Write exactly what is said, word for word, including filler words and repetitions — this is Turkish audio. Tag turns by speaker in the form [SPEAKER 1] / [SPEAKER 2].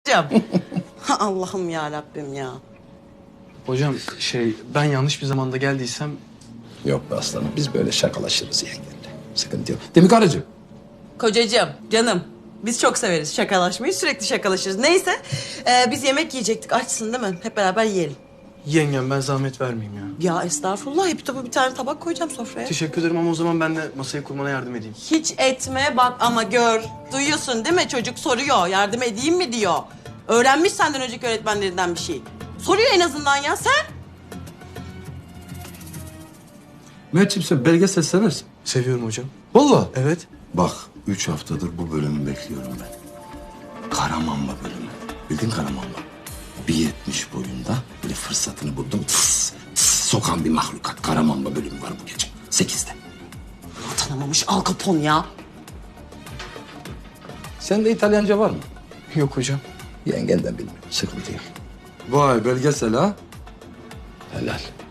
[SPEAKER 1] Allah'ım ya Rabbim ya.
[SPEAKER 2] Hocam şey ben yanlış bir zamanda geldiysem...
[SPEAKER 3] Yok be aslanım, biz böyle şakalaşırız yengenle. Sıkıntı yok. Değil mi karıcığım?
[SPEAKER 1] Kocacığım, canım. Biz çok severiz şakalaşmayı, sürekli şakalaşırız. Neyse, e, biz yemek yiyecektik. Açsın değil mi? Hep beraber yiyelim.
[SPEAKER 2] Yengem ben zahmet vermeyeyim ya.
[SPEAKER 1] Ya estağfurullah, hep tabii bir tane tabak koyacağım sofraya.
[SPEAKER 2] Teşekkür ederim ama o zaman ben de masayı kurmana yardım edeyim.
[SPEAKER 1] Hiç etme bak ama gör. Duyuyorsun değil mi? Çocuk soruyor. Yardım edeyim mi diyor. Öğrenmiş senden önceki öğretmenlerinden bir şey. Soruyor en azından ya sen.
[SPEAKER 3] Mert'ciğim sen belgesel seversin.
[SPEAKER 2] Seviyorum hocam.
[SPEAKER 3] Vallahi.
[SPEAKER 2] Evet.
[SPEAKER 3] Bak, üç haftadır bu bölümü bekliyorum ben. Karamamba bölümü. Bildin Karamamba? bir yetmiş boyunda böyle fırsatını buldum. Tıs, tıs, sokan bir mahlukat. Karamamba bölümü var bu gece. Sekizde.
[SPEAKER 1] Tanımamış Al Capone ya.
[SPEAKER 3] Sende İtalyanca var mı?
[SPEAKER 2] Yok hocam.
[SPEAKER 3] Yengenden bilmiyorum. Sıkıntı yok. Vay belgesel ha. Helal.